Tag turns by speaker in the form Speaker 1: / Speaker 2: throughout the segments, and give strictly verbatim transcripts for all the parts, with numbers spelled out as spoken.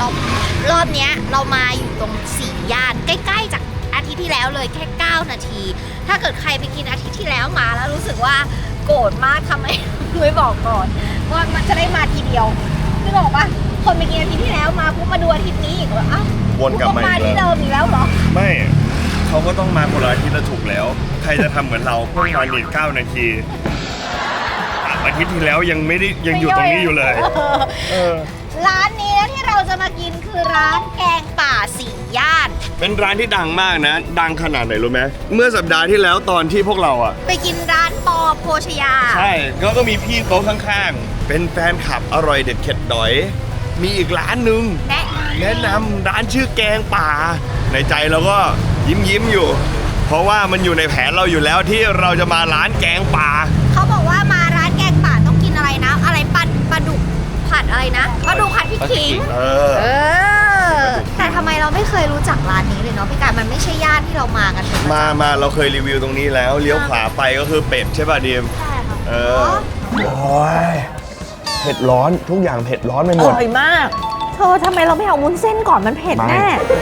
Speaker 1: เรารอบเนี้ยเรามาอยู่ตรงสี่ย่านใกล้ๆจากอาทิตย์ที่แล้วเลยแค่เก้านาทีถ้าเกิดใครไปกินอาทิตย์ที่แล้วมาแล้วรู้สึกว่าโกรธมากทำไม ไม่บอกก่อนว่ามันจะได้มาทีเดียวคือบอกว่าคนไปกินอาทิตย์ที่แล้วมาปุ๊บมาดูอาทิตย์นี้อีกว่าอ้าว
Speaker 2: วนกลับมาอีก
Speaker 1: ที่
Speaker 2: แล้ว
Speaker 1: เดิมอีกแล้วเหรอ
Speaker 2: ไม่เขาก็ต้องมาคนละอาทิตย์ละถูกแล้ว ใครจะทำเหมือนเราเพิ่งมาหนีเก้านาทีอาทิตย์ที่แล้วยังไม่ได้ยังอยู่ตรงนี้อยู่เลยเออ
Speaker 1: ร้านนี้ที่เราจะมากินคือร้านแกงป่าสี่ย่าน
Speaker 2: เป็นร้านที่ดังมากนะ ดังขนาดไหนรู้ไหมเมื่อสัปดาห์ที่แล้วตอนที่พวกเราอ่ะ
Speaker 1: ไปกินร้านปอโภชยา
Speaker 2: ใช่ก็ก็มีพี่โต๊ะข้างๆเป็นแฟนคลับอร่อยเด็ดเข็ดดอย มีอีกร้านหนึ่ง
Speaker 1: แนะ
Speaker 2: แนะนำร้านชื่อแกงป่าในใจเราก็ยิ้มยิ้มๆอยู่ เพราะว่ามันอยู่ในแผนเราอยู่แล้วที่เราจะมาร้านแกงป่า
Speaker 1: เขาบอกว่ามาร้านแกงป่าต้องกินอะไรนะ อะไรปลาปลาดุกผัดอะไรนะปลาดุกผัดพริกขิง
Speaker 2: เออ
Speaker 1: เออแต่ทำไมเราไม่เคยรู้จักร้านนี้เลยเนาะพี่การมันไม่ใช่ย่านที่เรามากันเป็นประจำ
Speaker 2: มามาเราเคยรีวิวตรงนี้แล้วเลี้ยวขวาไปก็คือเป็ดใช่ป่ะดีม
Speaker 1: ใช่ค่ะ
Speaker 2: เออโอ้ยเผ็ดร้อนทุกอย่างเผ็ดร้อนไปห
Speaker 1: อ
Speaker 2: มด
Speaker 1: ร่อยมากเธอทำไมเราไม่เอาวุ้นเส้นก่อนมันเผ็ดแน่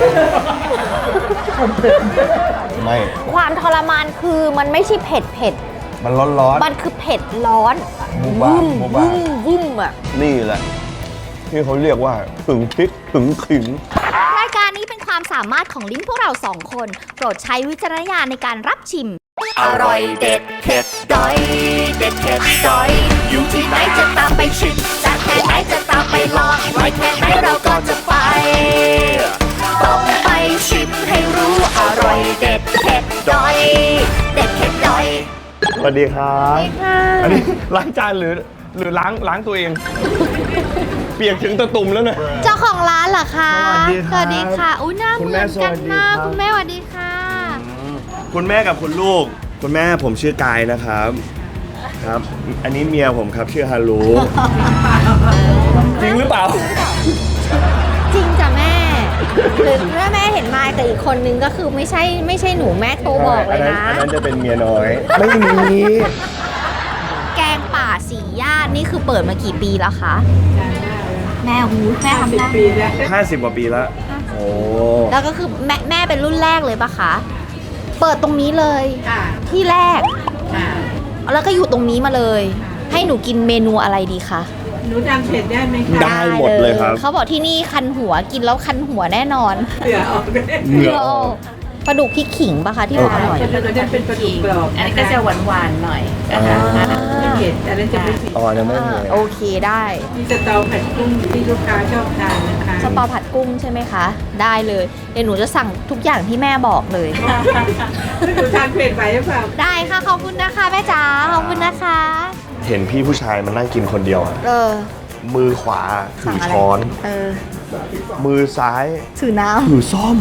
Speaker 2: ไม่
Speaker 1: ความทรมานคือมันไม่ใช่เผ็ดเผ็ด
Speaker 2: มันร้อนร้อน
Speaker 1: มันคือเผ็ดร้อน
Speaker 2: บูบ้าบูบ้า
Speaker 1: วุ่มวุ่มอ่ะ
Speaker 2: นี่แหละที่เขาเรียกว่าถึงพริกถึงขิง
Speaker 1: รายการนี้เป็นความสามารถของลิ้นพวกเราสองคน โปรดใช้วิจารณญาณในการรับชิม
Speaker 3: อร่อยเด็ดเผ็ดดอย เด็ดเผ็ดดอย อยู่ที่ไหนจะตามไปชิมจากแค่ไหนจะตามไปลองไว้แค่ไหนเราก็จะไป ต้องไปชิมให้รู้อร่อยเด็ดเผ็ดดอย เด็ดเผ็ดดอย
Speaker 2: สวัสดีครับ
Speaker 1: สวัสดีค่ะ
Speaker 2: อันนี้ล้างจานหรือหรือล้างล้างตัวเอง เปียกถึงตะตุ่มแล้วเนี่ย
Speaker 1: เจ้าของร้านเหรอคะ
Speaker 2: สวัสดีครับ
Speaker 1: สวัสดีค่ะอุ้ยหน้า
Speaker 2: คุณ
Speaker 1: เห
Speaker 2: แม่
Speaker 1: มือนกัน
Speaker 2: สวัสดี
Speaker 1: มาก
Speaker 2: ครับ
Speaker 1: คุณแม่สวัสดีค่ะ
Speaker 2: คุณแม่กับคุณลูก คุณแม่ผมชื่อกายนะครับ ครับ อันนี้เมียผมครับชื่อฮารุ จริงหรือเปล่า
Speaker 1: จริงจ้ะแม่หรือถ้าแม่เห็นมาแต่อีกคนนึงก็คือไม่ใช่ไม่ใช่หนูแม่โทรบอกเลยนะ
Speaker 2: อันนั้นอันนั้นจะเป็นเมียน้อย ไม่มี
Speaker 1: แกงป่าสี่ย่านนี่คือเปิดมากี่ปีแล้วคะ แม่หูแม่ทำได้
Speaker 2: ห้าสิบกว่าปีแล้ว โอ้
Speaker 1: แล้วก็คือแม่แม่เป็นรุ่นแรกเลยปะคะ เปิดตรงนี้เลย
Speaker 4: ค่ะ
Speaker 1: ที่แรก
Speaker 4: ค่ะ
Speaker 1: แล้วก็อยู่ตรงนี้มาเลย ให้หนูกินเมนูอะไรดีคะ
Speaker 4: หนูจำเผ็ดได้ไหมคะ
Speaker 2: ได้หมดเลยครับ
Speaker 1: เขาบอกที่นี่คันหัวกินแล้วคันหัวแน่นอน
Speaker 4: เหลือออกได้
Speaker 2: เหงื่อออก
Speaker 1: ปลาดุกพริกขิงปะคะที่บอกอร่อย
Speaker 4: แล้วก็จะเป็นปลาดุกกรอบ
Speaker 5: อันนี้ก็จะหวานๆหน่อย
Speaker 2: อ่า
Speaker 5: นะคะ
Speaker 4: ไม่เผ็ดอันนั้นจะไม่เผ็ด
Speaker 2: อ๋อยังไม่
Speaker 1: อ่า
Speaker 2: มี
Speaker 1: โอเคได้
Speaker 4: มีสตอผัดกุ้งที่ลูกค้าชอบทานนะคะ
Speaker 1: สตอผัดกุ้งใช่ไหมคะ ได้เลยเดี๋ยวหนูจะสั่งทุกอย่างที่แม่บอกเลย
Speaker 4: หนูทานเผ็ดไปหรือเปล่า
Speaker 1: ได้ค่ะขอบคุณนะคะแม่จ๋าขอบคุณนะคะ
Speaker 2: เห็นพี่ผู้ชายมันนั่งกินคนเดียวอะ
Speaker 1: เออ
Speaker 2: มือขวาถื
Speaker 1: สั่ง
Speaker 2: อ
Speaker 1: อะไร
Speaker 2: ช้อน
Speaker 1: เออ
Speaker 2: มือซ้าย
Speaker 1: ถือน้
Speaker 2: ถือซ่อม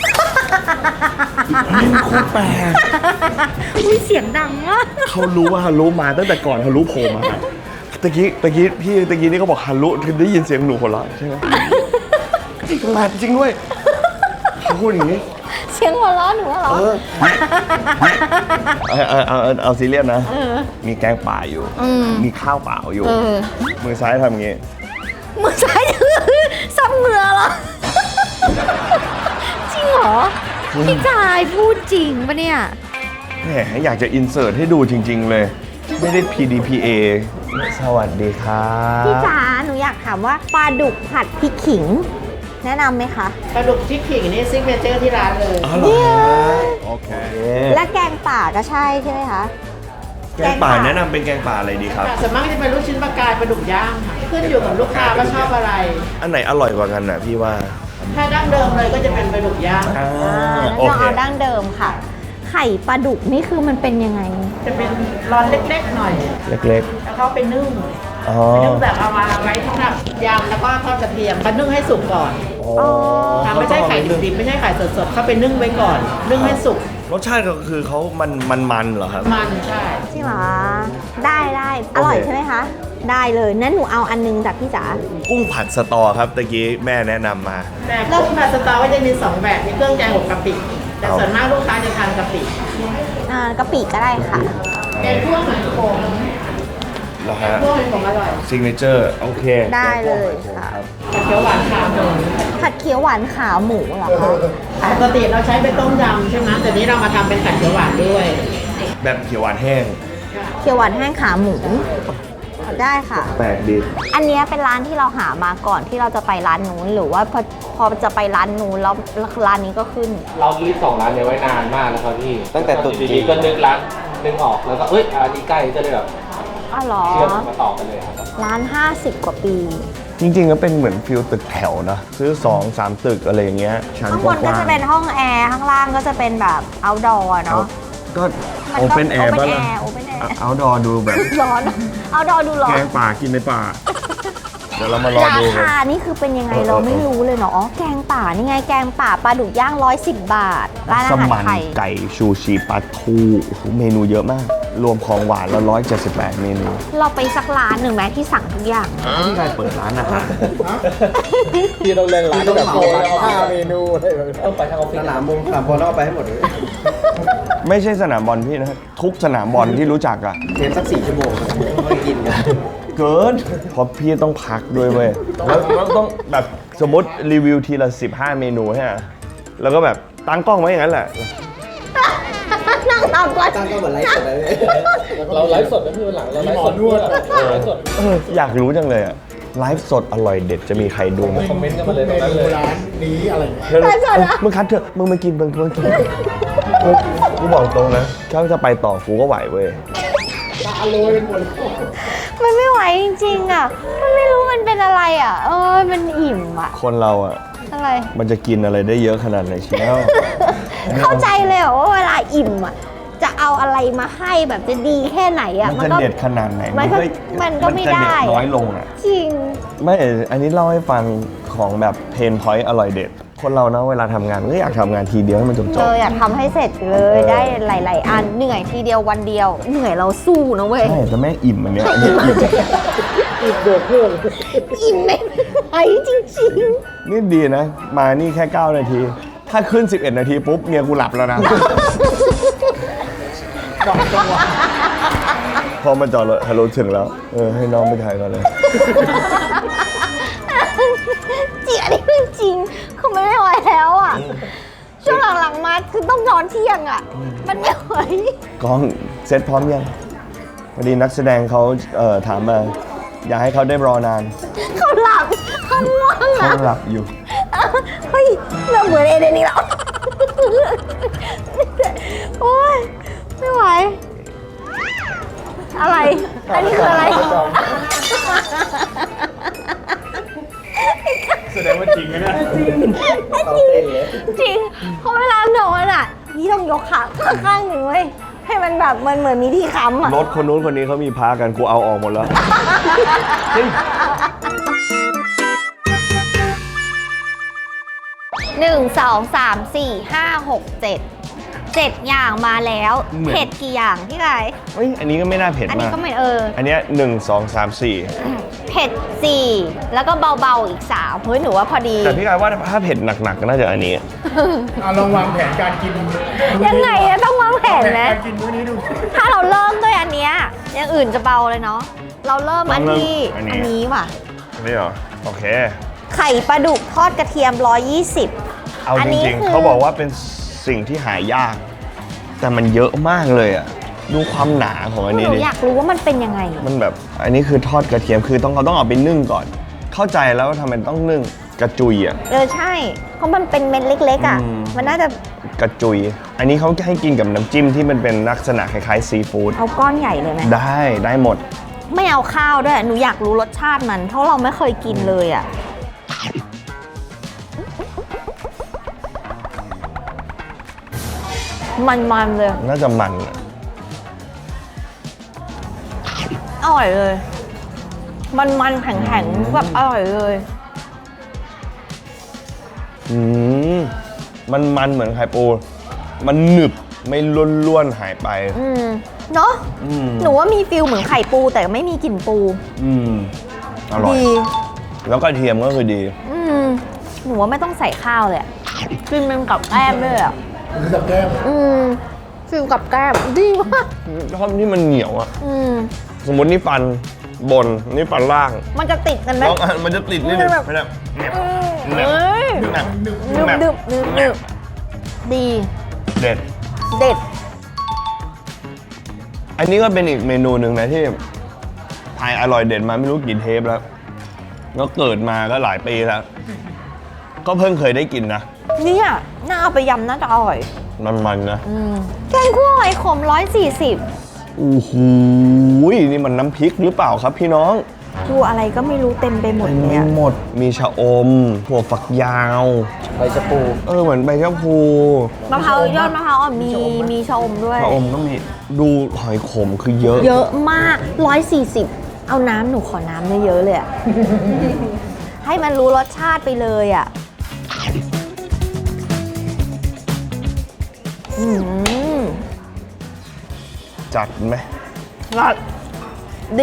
Speaker 2: นี่โคตรแปลก
Speaker 1: ำอุ้ยเสียงดังมาก
Speaker 2: เขารู้ว่าฮารุมาตั้งแต่ก่อนฮารุโผล่มาตะกี้ตะกี้พี่ตะกี้นี่เขาบอกฮารุคือได้ยินเสียงหนูหัวเราะใช่ไหมจริงมาจริงด้วยเขาพูดอย่างนี้
Speaker 1: เสียงหัวเราะหนูเหรอ
Speaker 2: เออเอาเอาเอาเอาซีเรียสนะ
Speaker 1: เออ
Speaker 2: มีแกงป่าอยู่
Speaker 1: อืม
Speaker 2: มีข้าวเปล่าอยู่
Speaker 1: เออ
Speaker 2: มือซ้ายทำอย่างงี้
Speaker 1: มือซ้ายถือซับเหงื่อเหรอ จริงเหรอ พี่จายพูดจริงปะเนี่ย
Speaker 2: แหมอยากจะอินเสิร์ตให้ดูจริง ๆ เลย ไม่ได้ พี ดี พี เอ สวัสดีครับ
Speaker 1: พี่จ๋าหนูอยากถามว่าปลาดุกผัดพริกขิง แนะนำไหมคะ
Speaker 5: ปลาดุกพริกขิงนี่ซิกเนเจอร์ที่ร้านเลย
Speaker 2: อ๋อเหรอโอเค
Speaker 1: และแกงป่าก็ใช่ใช่ไหมคะ
Speaker 2: แกงป่าแนะนำเป็นแกงป่าอะไรดีครับ
Speaker 5: ส่วนมากจะเป็นลูกชิ้นปลากายปลาดุกย่างค่ะ ขึ้นอยู่กับลูกค้าว่าชอบอะไร
Speaker 2: อันไหนอร่อยกว่ากันน่ะพี่ว่า
Speaker 5: ถ้าดั้งเดิมเลยก็จะเป็นปลาดุกย่าง
Speaker 2: อ่า
Speaker 1: อ่า
Speaker 2: โอ
Speaker 1: เรา
Speaker 2: เค
Speaker 1: เอาดั้งเดิมค่ะ ไข่ปลาดุกนี่คือมันเป็นยังไง
Speaker 5: จะเป็นร้อนเล็กๆหน่อย
Speaker 2: เล็ก
Speaker 5: แล้วเขาไปนึ่ง
Speaker 2: ๆ อ๋อ
Speaker 5: นึ่งแบบเอามาไว้สำหรับยำแล้วก็ทอดกระเทียมมานึ่งให้สุกก่อน
Speaker 2: อ๋อ
Speaker 5: ค่ะไม่ใช่ไข่ดิบๆไม่ใช่ไข่สดๆเขาไปนึ่งไว้ก่อน นึ่งให้สุก
Speaker 2: รสชาติก็คือเขามันมันมันเหรอครับ
Speaker 5: มันใช่
Speaker 1: จริงเหรอ ได้ได้อร่อย
Speaker 2: โอเค
Speaker 1: ใช่ไหมคะ ได้เลยนั้นหนูเอาอันนึงจากพี่จ๋า
Speaker 2: กุ้งผัดสตอครับตะกี้แม่แนะนำมา
Speaker 5: แต่กุ้งผัดสตอก็จะมีสองแบบมีเครื่องแกงกับกะปิ แต่ส่วนมากลูกค้าจะทานกะปิ
Speaker 1: อ่ากะปิก็ได้ค่ะ
Speaker 5: แกงคั่วหอยขม
Speaker 2: แล้วฮะ
Speaker 5: พวกเป็นของอร่อย
Speaker 2: ซิกเนเจอร์โอเค
Speaker 1: ได้เลยค่ะ
Speaker 2: ครับ
Speaker 5: ผัดเขียวหวานขาหมู
Speaker 1: ผัดเขียวหวานขาหมูเหรอคะ
Speaker 5: ปกติเราใช้เป็นต้มยำใช่ไหมแต่นี้เรามาทำเป็นผัดเขียวหวานด้วย
Speaker 2: แบบเขียวหวานแห้ง
Speaker 1: เขียวหวานแห้งขาหมู ได้ค่ะ
Speaker 2: แปลกดี
Speaker 1: อันเนี้ยเป็นร้านที่เราหามาก่อนที่เราจะไปร้านนู้นหรือว่าพอพอจะไปร้านนู้นแล้วร้านนี้ก็ขึ้น
Speaker 6: เราลิสต์สองร้านเนี้ไว้นานมากแล้วครับพี่
Speaker 2: ตั้งแต่ตุ๊ดจีน
Speaker 6: ดีๆก็นึกร้านนึกออกแล้วก็เอ้ยอันนี้ใกล้ก็เลยแบบ
Speaker 1: อ๋อเหรอ
Speaker 6: เชื่อมมาต่อกันเลยครับ
Speaker 1: ร้านห้าสิบกว่าปี
Speaker 2: จริงๆก็เป็นเหมือนฟิลตึกแถวนะซื้อสองสามตึกอะไรอย่างเงี้ยชั้น
Speaker 1: ข้าง
Speaker 2: ก
Speaker 1: บ
Speaker 2: ว้าน ง
Speaker 1: ก็จะเป็นห้องแอร์ ข้างล่างก็จะเป็นแบบ outdoor
Speaker 2: ๆ
Speaker 1: เนาะ
Speaker 2: ก็
Speaker 1: มั
Speaker 2: โอ
Speaker 1: ก็
Speaker 2: เปนแอร์
Speaker 1: open
Speaker 2: บ้าง
Speaker 1: air open air
Speaker 2: เอาดอดูแบบ
Speaker 1: ร้อน outdoor ดูร้อ
Speaker 2: แก
Speaker 1: น
Speaker 2: งป่ากินในป่า เดี๋ยวเรามารอ
Speaker 1: รา
Speaker 2: ดูกัน
Speaker 1: คานี่คือเป็นยังไง
Speaker 2: เออ
Speaker 1: เราไม่รู้เลยเนาะอ๋อแกงป่านี่ไงแกงป่าปลาดุกย่างร้อยสิบบาท ร้านอา
Speaker 2: ส
Speaker 1: หาร
Speaker 2: มัน
Speaker 1: ไทย
Speaker 2: ไก่ชูชีปลาทูโอ้โหเมนูเยอะมาก รวมของหวานแล้วร้อยเจ็ดสิบแปดเมนู
Speaker 1: เราไปสักร้านหนึ่งไหมที่สั่งทุกอย่าง
Speaker 2: ที่ได้เปิดร้านอาหาร
Speaker 6: พี่ต้องเล่นร้านแบบโกงห้าเมนู
Speaker 2: นู
Speaker 6: ต้องไปทางออฟฟิศ
Speaker 7: สนามบงสนามบอลแล้วเอาไปให้หมดเลย
Speaker 2: ไม่ใช่สนามบอลพี่นะ ทุกสนามบอลที่รู้จักอะ
Speaker 7: เทปสักสี่ชั่วโมงไม่กินกัน
Speaker 2: เกินเพราะพี่ต้องพักด้วยเว้ยแล้วแล้วต้องแบบสมมติรีวิวทีละสิบห้าเมนูใช่ไหมแล้วก็แบบตั้งกล้องไว้อย่างนั้นแหละ
Speaker 1: นั่งทำก่อน
Speaker 7: ตั้งก็เหมือนไลฟ์สดเลย
Speaker 6: เราไลฟ์สดนะพี่วันหลังเราไลฟ์สดด้วยไลฟ์สด
Speaker 2: เอออยากรู้จังเลยอะไลฟ์สดอร่อยเด็ดจะมีใครดูไหม
Speaker 6: คอมเมนต์กันมาเลยตรงนั้นเลย
Speaker 1: ไลฟ์สดเหรอ
Speaker 2: มึงคัดเถอะมึงมากินมึงมึงกินกูกูบอกตรงนะถ้าจะไปต่อกูก็ไหวเว้ย
Speaker 1: มันไม่ไหวจริงๆอ่ะ มันไม่รู้มันเป็นอะไรอ่ะ เออ มันอิ่มอ่ะ
Speaker 2: คนเราอะ
Speaker 1: อะไร
Speaker 2: มันจะกินอะไรได้เยอะขนาดไหนเชียว
Speaker 1: เข้าใจเลยเหรอว่าเวลาอิ่มอ่ะ จะเอาอะไรมาให้แบบจะดีแค่ไหนอ่ะ
Speaker 2: มันจะเด็ดขนาดไหน
Speaker 1: มันก็มันก็ไม่
Speaker 2: จะ
Speaker 1: ได้
Speaker 2: เด็ดน้อยลงอะ
Speaker 1: จริง
Speaker 2: ไม่ อันนี้เล่าให้ฟังของแบบเพนพอยต์อร่อยเด็ด คนเรานะเวลาทำงานก็อยากทำงานทีเดียวให้มันจบจ
Speaker 1: เอบ ออยากทำให้เสร็จเลย ได้หลาย ๆ อัน เหนื่อยทีเดียววันเดียว เหนื่อยเราสู้นะเว้ย
Speaker 2: ใช่แต่แม่งอิ่มอันเนี้ยอันนี้อิ่ม
Speaker 1: อิ่มไม่ไหวจริง
Speaker 2: นี่ดีนะ มานี่แค่เก้านาที ถ้าขึ้นสิบเอ็ดนาทีปุ๊บเมียกูหลับแล้วนะ พอมาจอดรถฮัลโหลถึงแล้ว เออ ให้น้องไปถ่ายก่อนเลย
Speaker 1: ๆจริงอันนี้เรื่องจริงคือมันไม่ไหวแล้วอ่ะ ช่วงหลัง ๆ มาคือต้องนอนเที่ยงอ่ะ มันไม่ไหว
Speaker 2: กล้องเซ็ตพร้อมยังพอดีนักแสดงเขาเอ่อถามมา อยากให้เขาได้รอนาน
Speaker 1: เขาหลับเขาง่วง
Speaker 2: เขา
Speaker 1: อ่ะ
Speaker 2: หลับอยู่
Speaker 1: เฮ้ยเราเหมือนเอเดนนี่แล้วโอ๊ยไม่ไหว อะไร อันนี้คืออะไร
Speaker 2: แสดงว่าจริงไหมเนี่ย
Speaker 1: จริงเพราะเวลานอนอ่ะนี่ต้องยกขาข้างหนึ่งเว้ยให้มันแบบมันเหมือนมีที่ค้ำอ่ะ
Speaker 2: รถคนนู้นคนนี้เขามีพากันกูเอาออกหมดแล้ว จริง
Speaker 1: หนึ่งสองสามสี่ห้าหกเจ็ดเจ็ดอย่างมาแล้ว
Speaker 2: เหมือน
Speaker 1: เผ็ดกี่อย่างพี่ไก่
Speaker 2: เฮ้ย อันนี้ก็ไม่น่าเผ็ด
Speaker 1: อันนี้
Speaker 2: มาก
Speaker 1: ก็ไม่เออ
Speaker 2: อันเนี้ยหนึ่งสองสามสี่
Speaker 1: เผ็ดสี่แล้วก็เบาๆอีกสามเฮ้ยหนูว่าพอดี
Speaker 2: แต่พี่กายว่าถ้าเผ็ดหนักๆก็น่าจะอันนี้
Speaker 7: เอาลองวางแผนการกิน
Speaker 1: ยังไงอะต้องวางแผนไหม
Speaker 7: การกินมื้อนี้ดู
Speaker 1: ถ้าเราเริ่มด้วยอันเนี้ยอย่างอื่นจะเบาเลยเนาะเราเริ่มอันที่
Speaker 2: อันนี้
Speaker 1: อันนี้ว่ะ
Speaker 2: นี่เหรอ โอเค
Speaker 1: ไข่ปลาดุกทอดกระเทียมหนึ่งร้อยยี่สิบ
Speaker 2: เอา
Speaker 1: อัน
Speaker 2: จ
Speaker 1: นี้
Speaker 2: ริง
Speaker 1: คือ
Speaker 2: ๆเขาบอกว่าเป็นสิ่งที่หายาก แต่มันเยอะมากเลยอ่ะ ดูความหนาของอันนี้
Speaker 1: หนู
Speaker 2: ดิ
Speaker 1: อยากรู้ว่ามันเป็นยังไง
Speaker 2: มันแบบ อันนี้คือทอดกระเทียม คือต้องเขาต้องเอาไปนึ่งก่อน เข้าใจแล้วว่าทำไมต้องนึ่งกระจุยอ่ะ
Speaker 1: เออใช่ เพราะมันเป็นเม็ดเล็กๆอ่ะ
Speaker 2: อืม
Speaker 1: มันน่าจะ
Speaker 2: กระจุย อันนี้เขาให้กินกับน้ำจิ้มที่มันเป็นลักษณะคล้ายๆซีฟู้ด
Speaker 1: เอาก้อนใหญ่เลยไหม
Speaker 2: ได้ได้หมด
Speaker 1: ไม่เอาข้าวด้วย หนูอยากรู้รสชาติมัน เพราะเราไม่เคยกินเลยอ่ะ มันๆเลย
Speaker 2: น่าจะมันอะ
Speaker 1: อร่อยเลย มันๆแข็งๆแบบอร่อยเลย
Speaker 2: อืมมันมันเหมือนไข่ปู มันหนึบไม่ล้วนๆหายไป
Speaker 1: อืมเนาะ
Speaker 2: อืม
Speaker 1: หนูว่ามีฟิลเหมือนไข่ปูแต่ไม่มีกลิ่นปู
Speaker 2: อืมอร่อย
Speaker 1: ดี
Speaker 2: แล้วกระเทียมก็คือดี
Speaker 1: อืมหนูว่าไม่ต้องใส่ข้าวเลยอะกินเป็นกับแกล้มด้วยอ่ะ
Speaker 7: กับแก้ม
Speaker 1: อืมฟิลกับแกล้มดีมาก
Speaker 2: ชอบที่มันเหนียวอ่ะ
Speaker 1: อืม
Speaker 2: สมมตินี่ฟันบนนี่ฟันล่าง
Speaker 1: มันจะติดกันไหม
Speaker 2: แล้วมันจะติดนิดนึง
Speaker 1: มันแบบ
Speaker 2: ไม่ได้แหนบ
Speaker 1: เอ้ย
Speaker 2: แหนบ
Speaker 1: นึบ
Speaker 2: แหนบ
Speaker 1: นึบนึบนึบดี
Speaker 2: เด็ด
Speaker 1: เด็ด
Speaker 2: อันนี้ก็เป็นอีกเมนูหนึ่งนะที่ทายอร่อยเด็ดมาไม่รู้กี่เทปแล้วแล้วเกิดมาก็หลายปีแล้ว ก็เพิ่งเคยได้กินนะ
Speaker 1: เนี่ยน่าเอาไปยำน่าจะอร่อย
Speaker 2: มันๆนะ
Speaker 1: อืมแกงคั่วหอยขมร้อยสี่สิบ
Speaker 2: โอ้โหนี่มันน้ำพริกหรือเปล่าครับพี่น้อง
Speaker 1: ดูอะไรก็ไม่รู้เต็มไปหมด
Speaker 2: เต็ม
Speaker 1: เล
Speaker 2: ไป
Speaker 1: ยอะ
Speaker 2: หมดมีชะอมถั่วฝักยาว
Speaker 7: ใบชะพู
Speaker 2: เออเหมือนใบชะพู
Speaker 1: มะพร้าวยอดมะพร้าวอ่อนมีมีชะอมด้วย
Speaker 2: ชะอมก็มีดูหอยขมคือเยอะ
Speaker 1: เยอะมากร้อยสี่สิบเอาน้ำหนูขอน้ำเยอะๆเลยอะ ให้มันรู้รสชาติไปเลยอะอืม
Speaker 2: จัดไหม
Speaker 1: รสดี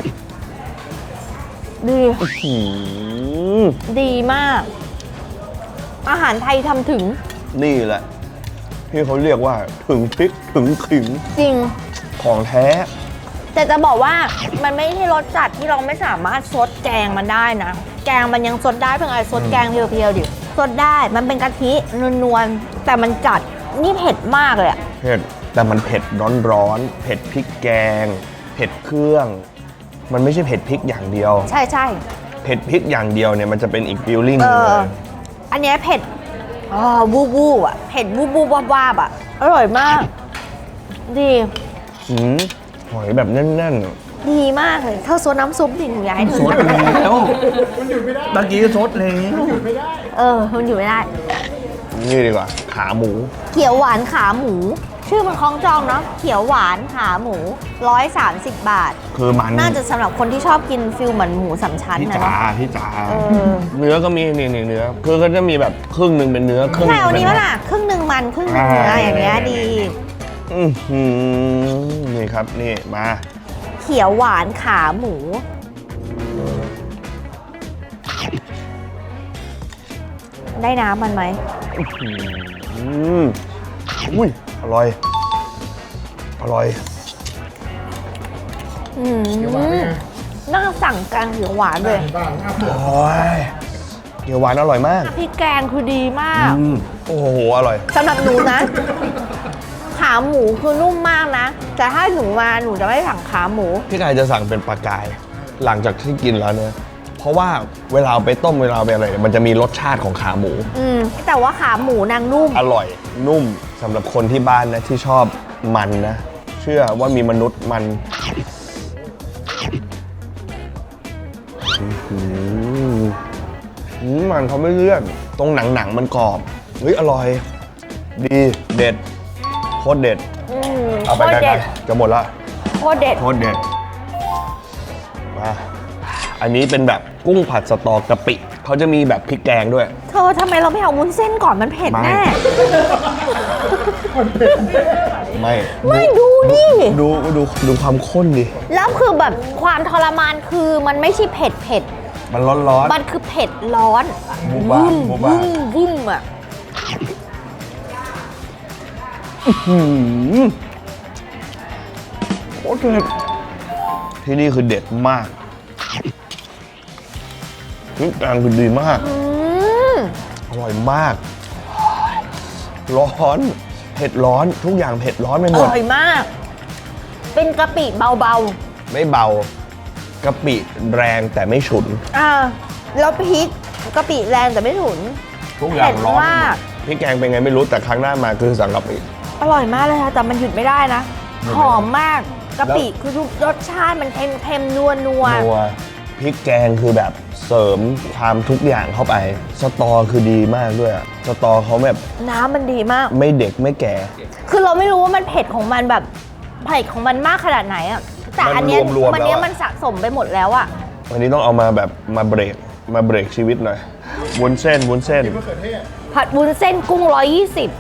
Speaker 1: ดี
Speaker 2: หืม
Speaker 1: ดีมาก อาหารไทยทำถึง
Speaker 2: นี่แหละที่เขาเรียกว่าถึงพริกถึงขิง
Speaker 1: จริง
Speaker 2: ของแท้
Speaker 1: แต่จะบอกว่ามันไม่ใช่รสจัดที่เราไม่สามารถซดแกงมันได้นะ แกงมันยังซดได้เพียงไงซดแกงเพียวๆดิซดได้มันเป็นกะทินวลๆแต่มันจัดนี่เผ็ดมากเลยอะ
Speaker 2: เผ็ดแต่มันเผ็ดร้อนๆเผ็ดพริกแกง เผ็ดเครื่อง มันไม่ใช่เผ็ดพริกอย่างเดียว
Speaker 1: ใช่ใช่
Speaker 2: เผ็ดพริกอย่างเดียวเนี่ยมันจะเป็นอีกฟิลลิ่ง
Speaker 1: เอ
Speaker 2: หนึงเล
Speaker 1: อย อันเนี้ยเผ็ดอ๋อวูบวูบอ่ะเผ็ดวูบวูบวาบวาบอ่ะอร่อยมาก ดี
Speaker 2: หืมหอยแบบแน่น
Speaker 1: ดีมากเลยเธอซดน้ำซุปดิหนูอยากให้เธ
Speaker 2: ๆ
Speaker 1: อ
Speaker 2: ซดแล้วตะกี้ซดแล้ว
Speaker 1: เออมันอยู่ไม่ได้
Speaker 2: นี่ดีกว่าขาหมู
Speaker 1: เขียวหวานขาหมู ชื่อมันคล้องจองเนาะเขียวหวานขาหมูร้อยสามสิบบาท
Speaker 2: คือมัน
Speaker 1: น่าจะสำหรับคนที่ชอบกินฟิลเหมือนหมูสามชั้น
Speaker 2: พี่
Speaker 1: นะ
Speaker 2: จ๋า
Speaker 1: เนาะ
Speaker 2: พี่จ๋า
Speaker 1: เออ
Speaker 2: เนื้อก็มีนี่นี่เนื้อคือก็จะมีแบบครึ่งหนึ่งเป็นเนื้อครึ่งห
Speaker 1: ใช่
Speaker 2: นึ่ง
Speaker 1: เอา
Speaker 2: เป็
Speaker 1: นี้
Speaker 2: น
Speaker 1: วะล่ะครึ่งหนึ่งมันครึ่งหนึ่งเนื้ออย่างเงี้ยดี
Speaker 2: อือหือนี่ครับนี่มา
Speaker 1: เขียวหวานขาหมู ได้น้ำมันไหม
Speaker 2: อืมอุ้ยอร่อย อร่อย
Speaker 1: อืมน่าสั่งแกงเขียวหวานเลย
Speaker 7: บ้างหน้าเผือก
Speaker 2: โอ้ยเกี๊ยวหวานอร่อยมาก
Speaker 1: พริกแกงคือดีมาก
Speaker 2: อืมโอ้โห อร่อย
Speaker 1: สำหรับหนูนะ ขาหมูคือนุ่มมากนะ แต่ถ้าหนูมาหนูจะไม่สั่งขาหมู
Speaker 2: พี่กายจะสั่งเป็นปลากาย หลังจากที่กินแล้วเนี่ย เพราะว่าเวลาเอาไปต้มเวลาเอาไปอะไรเนี่ยมันจะมีรสชาติของขาหมู
Speaker 1: อืมแต่ว่าขาหมูนางนุ่ม
Speaker 2: อร่อย นุ่มสำหรับคนที่บ้านนะที่ชอบมันนะ เชื่อว่ามีมนุษย์มันอื้อหืออืมมันเขาไม่เลื่อน ตรงหนังหนังๆมันกรอบ เฮ้ย อร่อย ดี เด็ด โคตรเด็ด
Speaker 1: อืม
Speaker 2: เอา
Speaker 1: โค
Speaker 2: ไป
Speaker 1: ตร
Speaker 2: ไกล
Speaker 1: เด็ด
Speaker 2: ๆจะหมดละ
Speaker 1: โคตรเด็ด
Speaker 2: โคตรเด็ด มา อันนี้เป็นแบบกุ้งผัดสตอกะปิ เขาจะมีแบบพริกแกงด้วย
Speaker 1: เธอทำไมเราไม่เอาวุ้นเส้นก่อนมันเผ็ด
Speaker 2: ไม่
Speaker 1: แน่
Speaker 2: ไม่
Speaker 1: ไม่ดูดิ
Speaker 2: ดูดูดูความข้นดิ
Speaker 1: แล้วคือแบบความทรมานคือมันไม่ใช่เผ็ดเผ็ด
Speaker 2: มันร้อนร้อน
Speaker 1: มันคือเผ็ดร้อน
Speaker 2: บูบ้า
Speaker 1: วุ่ม
Speaker 2: บูบ้า
Speaker 1: วุ่มวุ่มอ่ะ
Speaker 2: หืมโคตรเด็ดที่นี่คือเด็ดมากนี่แกงคือดีมาก
Speaker 1: อืม
Speaker 2: อร่อยมาก ร้อน เผ็ดร้อน ทุกอย่างเผ็ดร้อนไป
Speaker 1: อ
Speaker 2: หมด
Speaker 1: ร่อยมาก เป็นกะปิเบา
Speaker 2: ไม่เบากะปิแรงแต่ไม่ฉุน
Speaker 1: ๆ อ่า แล้วพริกกะปิแรงแต่ไม่ถุน
Speaker 2: ทุกอย่างร้อนไปห
Speaker 1: เผ็ดมาก
Speaker 2: มดพี่แกงเป็นไงไม่รู้แต่ครั้งหน้ามาคือสั่งกะปิ
Speaker 1: อร่อยมากเลยค่ะแต่มันหยุดไม่ได้นะ
Speaker 2: หยุดไม่ได้
Speaker 1: หอมมากกะปิคือทุกรสชาติมันเค็มเค็มนัวนัว
Speaker 2: นัวพริกแกงคือแบบเสริมความทุกอย่างเข้าไป สตอคือดีมากด้วยอะสตอเขาแบบ
Speaker 1: น้ำมันดีมาก
Speaker 2: ไม่เด็กไม่แก่
Speaker 1: คือเราไม่รู้ว่ามันเผ็ดของมันแบบเผ็ดของมันมากขนาดไหนอ่ะแต่อันเนี้ย
Speaker 2: มันรวมๆ
Speaker 1: มันเนี้ย
Speaker 2: แล้วอะ
Speaker 1: มันสะสมไปหมดแล้วอ่ะ
Speaker 2: วันนี้ต้องเอามาแบบมาเบรกมาเบรกชีวิตหน่อยวุ้นเส้นวุ้นเส้น
Speaker 7: มะเขือเทศ
Speaker 1: ผัดวุ้นเส้นกุ้งร้อยยี่สิบ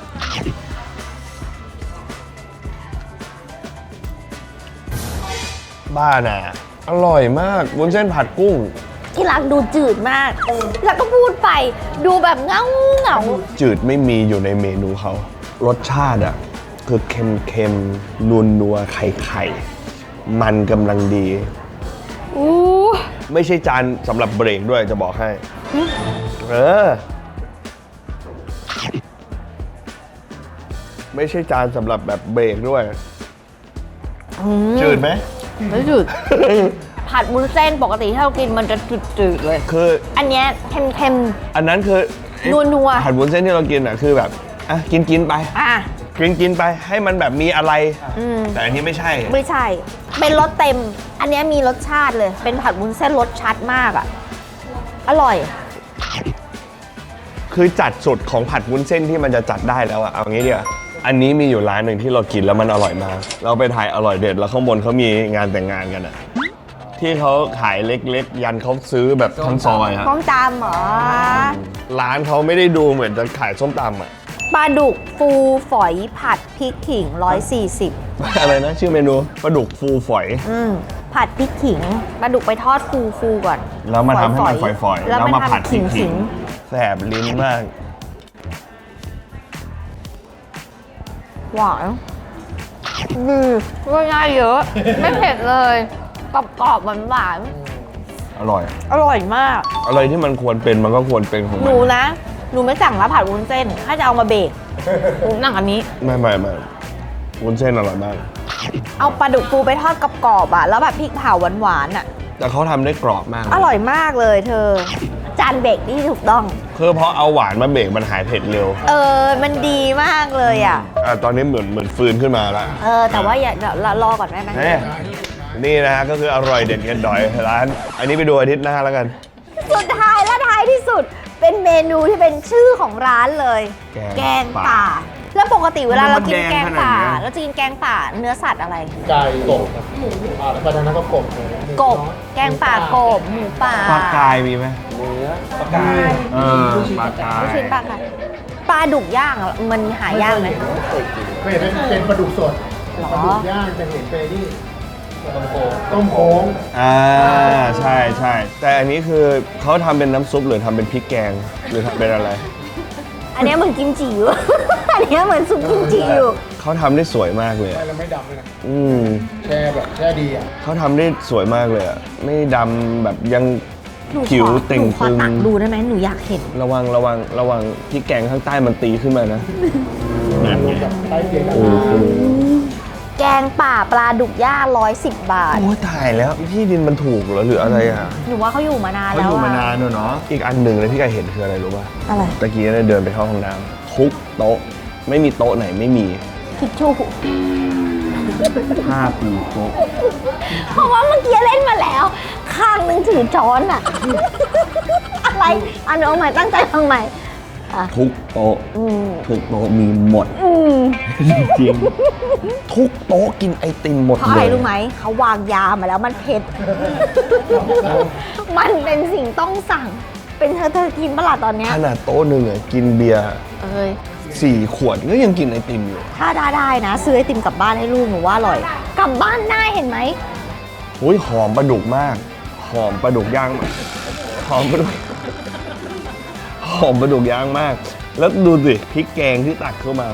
Speaker 2: บ้าน่ะอร่อยมากวุ้นเส้นผัดกุ้ง
Speaker 1: ที่รักดูจืดมาก แล้วก็พูดไปดูแบบเงาเงา
Speaker 2: จืดไม่มีอยู่ในเมนูเขา รสชาติอ่ะ คือเค็มเค็มนัวนัวไข่ไข่มันกำลังดี
Speaker 1: อู้
Speaker 2: ไม่ใช่จานสำหรับเบรกด้วยจะบอกให้ เออ ไม่ใช่จานสำหรับแบบเบรกด้วย จืดไหม
Speaker 1: ไม่จืด ผัดวุ้นเส้นปกติที่เรากินมันจะจืดๆเลย
Speaker 2: คือ
Speaker 1: อันเนี้ยเค็ม
Speaker 2: อันนั้นคือ
Speaker 1: นัวๆ
Speaker 2: ผัดวุ้นเส้นที่เรากินอ่ะคือแบบอ่ะกินกินไป
Speaker 1: ๆอ่ะ
Speaker 2: กินกินไปให้มันแบบมีอะไร
Speaker 1: อืม
Speaker 2: แต่อันนี้ไม่ใช่
Speaker 1: ไม่ใช่ เป็นรสเต็ม อันเนี้ยมีรสชาติเลย เป็นผัดวุ้นเส้นรสชัดมากอ่ะ อร่อย
Speaker 2: คือจัดสุดของผัดวุ้นเส้นที่มันจะจัดได้แล้วอะเอางี้เดียวาอันนี้มีอยู่ร้านหนึ่งที่เรากินแล้วมันอร่อยมาก เราไปถ่ายอร่อยเด็ดแล้วข้างบนเขามีงานแต่งงานกันอะที่เขาขายเล็กๆ ยันเขาซื้อแบบทั้งซอยฮะ
Speaker 1: ต้มตำเหรอ
Speaker 2: ร้านเขาไม่ได้ดูเหมือนจะขายส้มตำอะ
Speaker 1: ปลาดุกฟูฝอยผัดพริกขิงร้อยสี่สิบ
Speaker 2: อะไรนะชื่อเมนูปลาดุกฟูฝอย
Speaker 1: อืมผัดพริกขิงปลาดุกไปทอดฟูฟูๆก่อน
Speaker 2: แล้วมาทำให้มันฝอยๆ
Speaker 1: แล้ว
Speaker 2: แล้ว
Speaker 1: มา
Speaker 2: มาผัด
Speaker 1: ทำ
Speaker 2: ขิ
Speaker 1: ขิ
Speaker 2: ง
Speaker 1: ง
Speaker 2: ๆแสบลิ้นมาก
Speaker 1: หวานดีก็ง่ายเยอะ ไม่เผ็ดเลยกรอบกรอบหวานหวาน
Speaker 2: อร่อย
Speaker 1: ๆอร่อยมาก
Speaker 2: อะไรที่มันควรเป็นมันก็ควรเป็นของ
Speaker 1: ห
Speaker 2: มั
Speaker 1: นู
Speaker 2: น
Speaker 1: นะ หนูไม่สั่งแล้วผัดวุ้นเส้น ถ้าจะเอามาเบรกหนูนั่งอันนี้
Speaker 2: ไม่ไม่ไม่วุ้นเส้นอร่อยมาก
Speaker 1: เอาปลาดุกฟูไปทอดกรอบๆอ่ะ แล้วแบบพริกเผาหวานๆอ่ะ
Speaker 2: แต่เขาทำได้กรอบมาก
Speaker 1: อร่อยมากเลยเธอ จานเบรกที่ถูกต้อง
Speaker 2: คือเพราะเอาหวานมาเบรกมันหายเผ็ดเร็ว
Speaker 1: เออ มันดีมากเลยอ่ะ
Speaker 2: อ่ะตอนนี้เหมือนเหมือนฟื้นขึ้นมาแล้ว
Speaker 1: เออ แต่ว่าอย่าเดี๋ยวรอก่อนได้ไหม
Speaker 2: นี่นี่นะฮะก็คืออร่อยเด็ดเกันดอยร้าน อันนี้ไปดูอาทิตย์หน้าแล้วกัน
Speaker 1: สุดท้ายและท้ายที่สุด เป็นเมนูที่เป็นชื่อของร้านเลย
Speaker 2: แก
Speaker 1: แก
Speaker 2: ง
Speaker 1: ง
Speaker 2: ป่า
Speaker 1: ป่า แล้วปกติเวลาเรากิน
Speaker 2: มันแดง
Speaker 1: แกง
Speaker 2: ขนาด
Speaker 1: ป่า
Speaker 2: เนี้ย
Speaker 1: เราจะกินแกงป่าเนื้อสัตว์อะไร
Speaker 6: ไก่กบครับอ่าแล้วก็ทางนั้นก็กบ
Speaker 1: กบ แกงป่ากบ หมูป่า
Speaker 2: ปลากายมีไหม
Speaker 6: เนื้อปลากาย
Speaker 2: เออปลากาย
Speaker 1: ลูกชิ้นปลาค่ะปลาดุกย่างอะมันหายากไหม
Speaker 7: ก็เห็นเป็นปลาดุกสด
Speaker 1: หรอ
Speaker 7: ปลาดุกย่างจะเห็นเป็นนี่
Speaker 6: ต้มโค
Speaker 7: ต้มโค้ง
Speaker 2: อ่าใช่ใช่แต่อันนี้คือเขาทำเป็นน้ำซุปหรือทำเป็นพริกแกงหรือทำเป็นอะไร
Speaker 1: อันเนี้ยเหมือนกิมจิอยู่ อันเนี้ยเหมือนซุปกิมจิอยู่
Speaker 2: เขาทำได้สวยมากเลย
Speaker 7: ไป
Speaker 2: อะ
Speaker 7: แล้วไม่ดำเลยนะ
Speaker 2: อืม
Speaker 7: แช่แบบแช่ดีอ่ะ
Speaker 2: เขาทำได้สวยมากเลยอะไม่ดำแบบยัง
Speaker 1: หนูขอ
Speaker 2: ผิวเต่ง
Speaker 1: หนูขอ
Speaker 2: ตึง
Speaker 1: ตักดูได้ไหมหนูอยากเห็น
Speaker 2: ระวังระวังระวังพริกแกงข้างใต้มันตีขึ้นมานะนั่นไง
Speaker 7: ใต้เตียง
Speaker 2: โอ้โห
Speaker 1: แกงป่าปลาดุกย่างร้อยสิบบาท
Speaker 2: โอ้ยตายแล้วที่ดินมันถูกเหรอหรืออะไรอ่ะ
Speaker 1: หนูว่าเขาอยู่มานาน
Speaker 2: เขา
Speaker 1: แล้ว
Speaker 2: อยู่มา
Speaker 1: อะ
Speaker 2: นานเนอะอีกอันหนึ่งเลยที่แกเห็นคืออะไรรู้ป่ะ
Speaker 1: อะไร
Speaker 2: ตะกี้เนี่ยเดินไปเข้าห้องน้ำทุกโต๊ะไม่มีโต๊ะไหนไม่มี
Speaker 1: ทิชชู่
Speaker 2: ผ้าปูโต๊ะ
Speaker 1: เพราะว่าเมื่อกี้เล่นมาแล้ว ข้างหนึงถือช้อนอะ อะไรอันเอาใหม่ตั้งใจฟังใหม่อ่ะ
Speaker 2: ทุกโต๊ะ
Speaker 1: อืม
Speaker 2: ทุกโต๊ะมีหมด
Speaker 1: อืม
Speaker 2: จริงๆทุกโต๊ะกินไอติมหมด
Speaker 1: เพราะ
Speaker 2: เล
Speaker 1: อะไร
Speaker 2: ย
Speaker 1: รู้ไหม เขาวางยามาแล้วมันเผ็ด มันเป็นสิ่งต้องสั่ง เป็นเธอเธอกินเมื่อไหร่ตอนเนี้ย
Speaker 2: ขนาดโต๊ะหนึ่งอะกินเบียร์
Speaker 1: เอ้ย
Speaker 2: สี่ขวดก็ยังกินไอติมอยู่
Speaker 1: ถ้าได้ได้นะ ซื้อไอติมกลับบ้านให้ลูกหนูว่าอร่อย กลับบ้านได้เห็นไหม
Speaker 2: อุ้ยหอมปลาดุกมาก หอมปลาดุกย่างมากหอมปลาดุกหอมปลาดุกย่างมาก แล้วดูสิพริกแกงที่ตักเข้ามา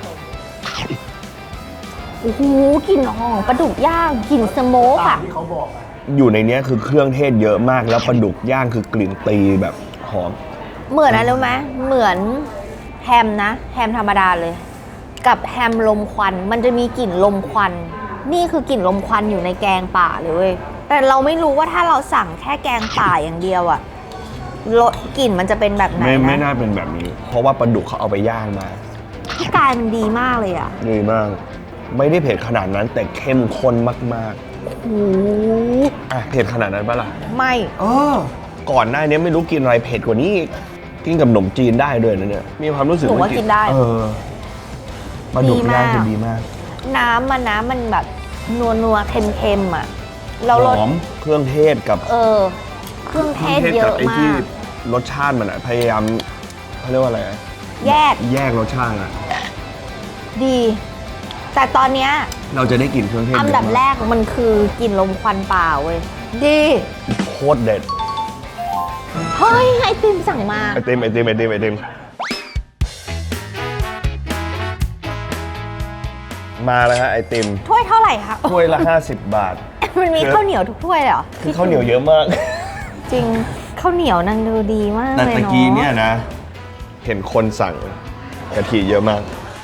Speaker 1: โอ้โหกลิ่นหอมปลาดุกย่างกลิ่นสโมกอ่ะ
Speaker 7: ที่เขาบอกอ่ะ
Speaker 2: อยู่ในเนี้ยคือเครื่องเทศเยอะมากแล้วปลาดุกย่างคือกลิ่นตีแบบหอม
Speaker 1: เหมือนอะไรรู้ไหมเหมือนแฮมนะ แฮมธรรมดาเลย กับแฮมลมควัน มันจะมีกลิ่นลมควัน นี่คือกลิ่นลมควันอยู่ในแกงป่าเลยเว้ยแต่เราไม่รู้ว่าถ้าเราสั่งแค่แกงป่าอย่างเดียวอะรสกลิ่นมันจะเป็นแบบไหน
Speaker 2: ไม่ไม่
Speaker 1: นะ
Speaker 2: น่าเป็นแบบนี้ เพราะว่าปลาดุกเขาเอาไปย่างมา
Speaker 1: ที่กายมันดีมากเลยอะ
Speaker 2: ดีมาก ไม่ได้เผ็ดขนาดนั้นแต่เข้มข้นมาก
Speaker 1: โอ้โห
Speaker 2: ๆอ่ะเผ็ดขนาดนั้นปะล่ะ
Speaker 1: ไม่
Speaker 2: เออก่อนหน้านี้ไม่รู้กินอะไรเผ็ดกว่านี้อีกกินกับขนมจีนได้ด้วยนะเนี่ยมีความรู้สึก
Speaker 1: หนูว่ากินได้
Speaker 2: เออปลาดุกย่างจะดีมาก
Speaker 1: น้ำมันนะมันแบบนัวนัวๆเค็มเค็มๆอะแล้ว
Speaker 2: ห
Speaker 1: รส
Speaker 2: อมเครื่องเทศกับ
Speaker 1: เออ เครื่องเทศเย
Speaker 2: กั
Speaker 1: อะ
Speaker 2: ไอ้
Speaker 1: มา
Speaker 2: ที่
Speaker 1: ก
Speaker 2: รสชาติมันอะพยายามเขาเรียกว่าอะไรอะ
Speaker 1: แยก
Speaker 2: แยกรสชาติอะ
Speaker 1: ดี แต่ตอนเนี้ย
Speaker 2: เราจะได้กลิ่นเครื่องเทศ
Speaker 1: อันดับ
Speaker 2: เยะมาก
Speaker 1: แรกมันคือกลิ่นลมควันป่าเว้ย ดี
Speaker 2: โคตรเด็ด
Speaker 1: เฮ้ย ไอติมสั่งมา
Speaker 2: ไอติมไอติมไอติมไอติมมาแล้วฮะไอติม
Speaker 1: ถ้วยเท่าไหร่คะ
Speaker 2: ถ้วยละ ห้าสิบบาท
Speaker 1: มันมีข้าวเหนียวทุกถ้วยเลยเหรอ
Speaker 2: คือข้าวเหนียวเยอะมาก
Speaker 1: จริงข้าวเหนียวนางดูดีมาก
Speaker 2: แต่
Speaker 1: เลย
Speaker 2: ตะ
Speaker 1: เนาะ
Speaker 2: กี้เนี่ยนะ เห็นคนสั่งกะทิเยอะมาก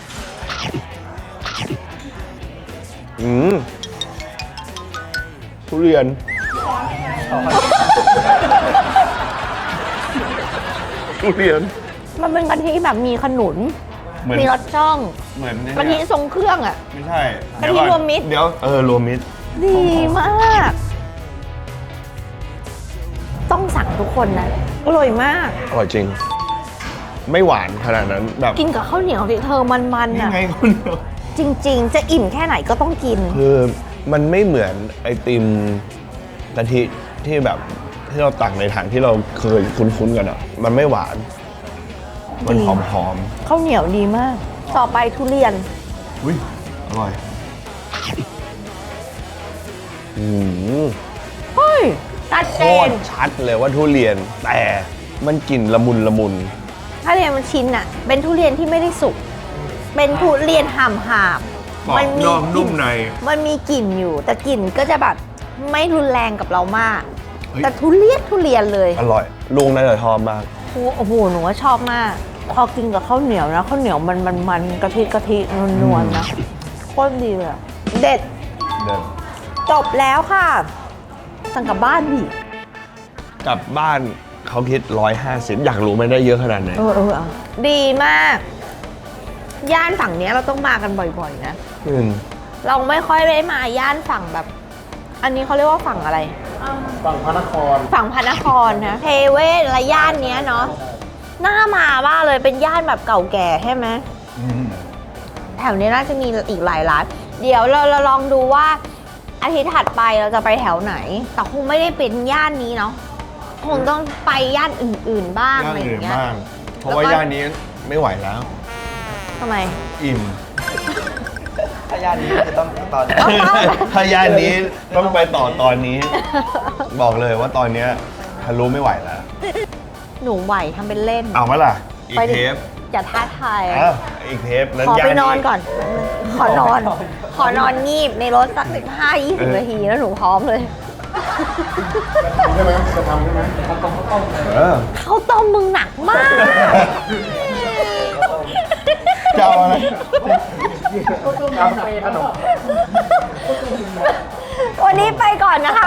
Speaker 2: อืมทุเรียน ทุเรียน
Speaker 1: มันเป็นกะทิแบบมีขนุน
Speaker 2: เหมือน
Speaker 1: มีรสช่อง
Speaker 2: เหมือน
Speaker 1: กะทิทรงเครื่องอ่ะ
Speaker 2: ไม่ใช่
Speaker 1: กะทิ
Speaker 2: เดี๋ยก่อน
Speaker 1: รวมมิตร
Speaker 2: เดี๋ยว เออ รวมมิตร
Speaker 1: ดีมาก ต้องสั่งทุกคนนะ อร่อยมาก
Speaker 2: อร่อยจริง ไม่หวานขนาดนั้นแบบ
Speaker 1: กินกับข้าวเหนียวที่เธอมันๆ
Speaker 2: ยั
Speaker 1: อ่ะ
Speaker 2: งไงคุณเดียว
Speaker 1: จริงๆ จะอิ่มแค่ไหนก็ต้องกิน
Speaker 2: คือมันไม่เหมือนไอติมกะทิที่แบบที่เราตักในถังที่เราเคยคุ้นๆกันอ่ะ มันไม่หวาน มันหอมหอม
Speaker 1: ข้าวเหนียวดีมาก ต่อไปทุเรียน
Speaker 2: ๆอุ้ยอร่อย อืม
Speaker 1: เฮ้ยตัด
Speaker 2: โค
Speaker 1: เจ
Speaker 2: ต
Speaker 1: น
Speaker 2: รชัดเลยว่าทุเรียน แต่มันกลิ่นละมุนละมุน
Speaker 1: ทุเรียนมันชิ้นอ่ะ เป็นทุเรียนที่ไม่ได้สุก เป็นทุเรียนห่ำหาบ
Speaker 2: กรอบนอกนุ่มใน
Speaker 1: มันมีกลิ่นอยู่ แต่กลิ่นก็จะแบบไม่รุนแรงกับเรามาก
Speaker 2: เฮ้ย
Speaker 1: แต่ทุเรียนทุเรียนเลย
Speaker 2: อร่อย ลุงน่าจะชอบมาก
Speaker 1: โอ้โห หนูว่าชอบมาก พอกินกับข้าวเหนียวนะข้าวเหนียวมันมันมันกะทิกะทินวลๆนะโคตรดีเลยอะเด็ด
Speaker 2: เดิน
Speaker 1: จบแล้วค่ะ สั่งกลับบ้านดิ
Speaker 2: กลับบ้านเขาคิดร้อยห้าสิบอยากรู้ไม่ได้เยอะขนาดไหน
Speaker 1: เออเออเอาดีมาก ย่านฝั่งเนี้ยเราต้องมากันบ่อยๆนะ
Speaker 2: อืม
Speaker 1: เราไม่ค่อยได้มาย่านฝั่งแบบ อันนี้เขาเรียกว่าฝั่งอะไร
Speaker 7: ฝั่งพระนคร
Speaker 1: ฝั่งพระนครนะเทเวศและย่านเนี้ยเนาะน่ามาบ้ากเลยเป็นย่านแบบเก่าแก่ใช่ไหมแถวนี้น่าจะมีอีกหลายร้านเดี๋ยวเราเราลองดูว่าอาทิตย์ถัดไปเราจะไปแถวไหน แต่คงไม่ได้เป็นย่านนี้เนาะคงต้องไปย่านอื่น ๆ บ้าง
Speaker 2: ย่า
Speaker 1: อะ
Speaker 2: น
Speaker 1: ไรอ
Speaker 2: อื่น
Speaker 1: ย่างเงี้ย
Speaker 2: บ้างเพราะว่า
Speaker 1: แล้วก็
Speaker 2: ย่านนี้ไม่ไหวแล้ว
Speaker 1: ทำไม
Speaker 2: อิ่ม
Speaker 6: ถ้าย่านนี้จะต้องตอน
Speaker 1: ต้องต้อง
Speaker 2: ถ้าย่านนี้ต้องไปต่อตอนนี้ บอกเลยว่าตอนเนี้ยทะลุไม่ไหวแล้ว
Speaker 1: หนูไหวทำเป็นเล่น
Speaker 2: เอาไหมล่ะ อีก
Speaker 1: ไปดิ
Speaker 2: เทป
Speaker 1: อย่าท้าทาย
Speaker 2: อ้าวอีกเทปนั้น
Speaker 1: ขอย่
Speaker 2: าน
Speaker 1: ไปนอนก่อน ขอนอน ขอนอนงีบในรถสักสิบห้ายี่สิบนาทีแล้วหนูพร้อมเลย
Speaker 7: ใช่ไหมจะทำใช่ไหม
Speaker 2: เออ
Speaker 1: ข้าวต้มมึงหนักมาก
Speaker 2: จะเอาอะไร
Speaker 7: กาแฟขนม
Speaker 1: วันนี้ไปก่อนนะคะ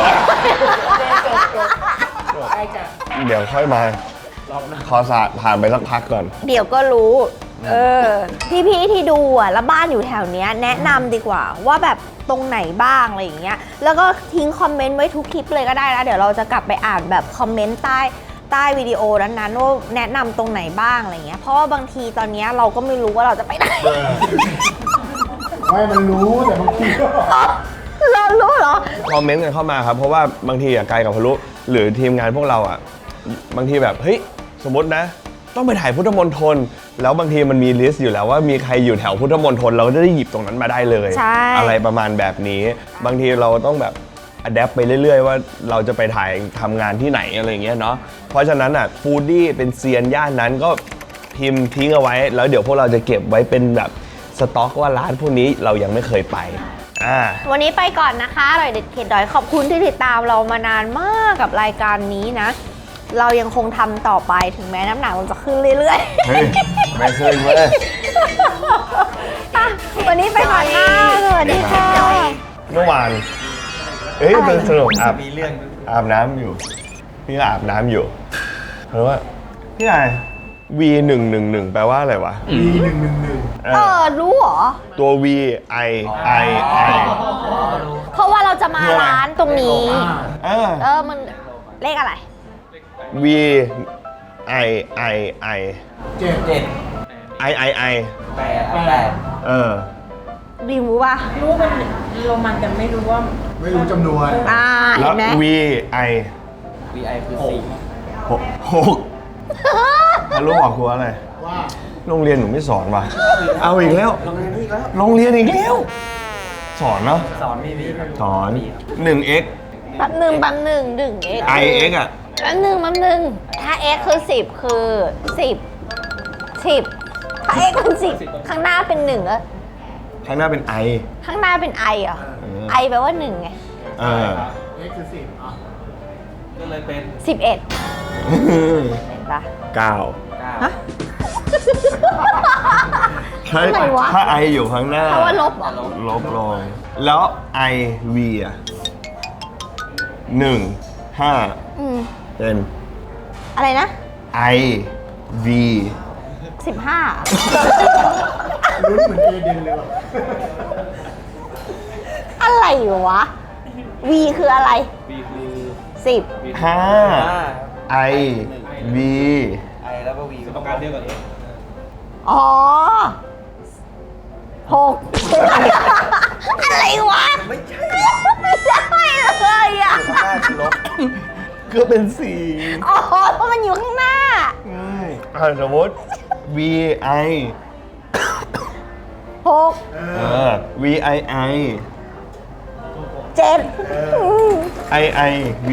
Speaker 2: เดี๋ยวค่อยมาขอสาผ่านไปสักพักก่อน
Speaker 1: เดี๋ยวก็รู้ เออ พี่ๆที่ดูอ่ะ แล้วบ้านอยู่แถวเนี้ยแนะนำดีกว่า ว่าแบบตรงไหนบ้างอะไรอย่างเงี้ย แล้วก็ทิ้งคอมเมนต์ไว้ทุกคลิปเลยก็ได้นะ เดี๋ยวเราจะกลับไปอ่านแบบคอมเมนต์ใต้ใต้วิดีโอนั้นๆว่าแนะนำตรงไหนบ้างอะไรเงี้ย เพราะว่าบางทีตอนเนี้ยเราก็ไม่รู้ว่าเราจะไปไหน
Speaker 7: ไม่มันรู้แต่บางทีก็
Speaker 1: เรารู้เหรอ
Speaker 2: คอมเมนต์กันเข้ามาครับ เพราะว่าบางทีอะไกลกับพลุหรือทีมงานพวกเราอะบางทีแบบ เฮ้ย สมมตินะ ต้องไปถ่ายพุทธมณฑลแล้วบางทีมันมีลิสต์อยู่แล้วว่ามีใครอยู่แถวพุทธมณฑลเราก็จะได้หยิบตรงนั้นมาได้เลย
Speaker 1: ใช่
Speaker 2: อะไรประมาณแบบนี้ บางทีเราต้องแบบอัดแอปไปเรื่อยๆ ว่าเราจะไปถ่ายทำงานที่ไหนอะไรอย่างเงี้ยเนาะเพราะฉะนั้นอ่ะฟูดดี้เป็นเซียนย่านนั้นก็พิมพ์ทิ้งเอาไว้ แล้วเดี๋ยวพวกเราจะเก็บไว้เป็นแบบสต็อกว่าร้านพวกนี้เรายังไม่เคยไปอ่า
Speaker 1: วันนี้ไปก่อนนะคะอร่อยเด็ดเข็ดดอยขอบคุณที่ติดตามเรามานานมากกับรายการนี้นะ เรายังคงทำต่อไปถึงแม้น้ำหนักมันจะขึ้นเรื่อยๆ
Speaker 2: เฮ้ยไม่เคยเว้ย
Speaker 1: อ่ะวันนี้ไปก่อนค่ะสวัสดีค่ะ
Speaker 2: เมื่อวาน เอ้ย
Speaker 1: อะไร
Speaker 2: เป็นสนุกอาบ
Speaker 6: มีเรื่อง
Speaker 2: อาบน้ำอยู่ พี่ก็อาบน้ำอยู่เพราะว่า พี่ไอ V หนึ่งหนึ่งหนึ่งแปลว่าอะไรวะ
Speaker 7: มีหนึ่งหนึ่งหนึ่ง
Speaker 2: เอ
Speaker 1: เอ
Speaker 2: อ
Speaker 1: อ รู้เหรอ
Speaker 2: ตัว V I I I
Speaker 1: เพราะว่าเราจะมา
Speaker 2: คืออะไร
Speaker 1: ร้านตรงนี้
Speaker 2: เออ
Speaker 1: เออ มันเลขอะไร
Speaker 2: V I I I
Speaker 7: เจ็ด
Speaker 6: เจ็ด
Speaker 2: I I I
Speaker 6: แปดแปด
Speaker 2: เออ
Speaker 1: ดีรู้ป่ะ
Speaker 4: รู้มันโรมันแต่ไม่รู้ว่า
Speaker 7: ไม่รู้จำนวน
Speaker 1: อ่า
Speaker 2: แล้
Speaker 1: เห็
Speaker 2: วน
Speaker 1: ไหม
Speaker 2: V I
Speaker 6: วีไอคือสี่
Speaker 2: หกหกแล้วรู้บอกครูว่าอะไร
Speaker 7: ว่า
Speaker 2: โรงเรียนหนูไม่สอนว่ะ เอาอีกแล้ว
Speaker 6: โรงเรียนนี้อีกแล้ว
Speaker 2: โรงเรียนอีกแล้ว สอนเนาะ
Speaker 6: สอนมีมีครับ
Speaker 2: สอนหนึ่ง x
Speaker 1: แป๊บหนึ่งแป๊บหนึ่งหนึ่ง x
Speaker 2: I x อ่ะ
Speaker 1: แป๊บหนึ่งแป๊บหนึ่งถ้า x คือสิบคือสิบสิบถ้า x เป็นสิบข้างหน้าเป็นหนึ่งอะ
Speaker 2: ข้างหน้าเป็น I
Speaker 1: ข้างหน้าเป็นไอเหรอ
Speaker 2: เออ
Speaker 1: ไอแปลว่าหนึ่งไง
Speaker 2: เออ
Speaker 7: x คือสิบอ่ะ
Speaker 6: ก็เลยเป็น
Speaker 1: สิบเอ็ดเห็นปะ
Speaker 2: เก้า
Speaker 1: ฮะ
Speaker 2: ถ้า
Speaker 1: อะไรวะ
Speaker 2: ถ้า I อยู่ข้างหน้า
Speaker 1: เพราะว่าลบเหรอ
Speaker 2: ลบลงแล้ว I V อ่ะหนึ่งห้า
Speaker 1: อืม
Speaker 2: เป็น
Speaker 1: อะไรนะ
Speaker 2: I V
Speaker 1: สิบห้า
Speaker 7: ลุ้นเหมือนเอเดนเลยว่ะ
Speaker 1: อะไรวะ V คืออะไร
Speaker 6: บีคือ
Speaker 1: สิบ
Speaker 2: ห้า I V
Speaker 6: ไอแล้วก็วีต้องการเดียวกับเอ
Speaker 1: อ๋อหกอะไรวะ ไม่ใช่ ไม่ได้เลยอ่ะ
Speaker 6: ห้าคือลบ
Speaker 2: ก็เป็นสี่
Speaker 1: อ๋อเพราะมันอยู่ข้างหน้า
Speaker 2: ง่ายอ่ะสมมติ V I
Speaker 1: หก
Speaker 2: เออ V I I
Speaker 1: เจ็ด
Speaker 2: I I V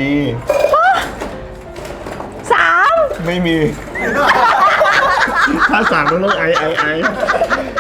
Speaker 1: สาม
Speaker 2: ไม่มี ถ้าสามต้องต้อง I I I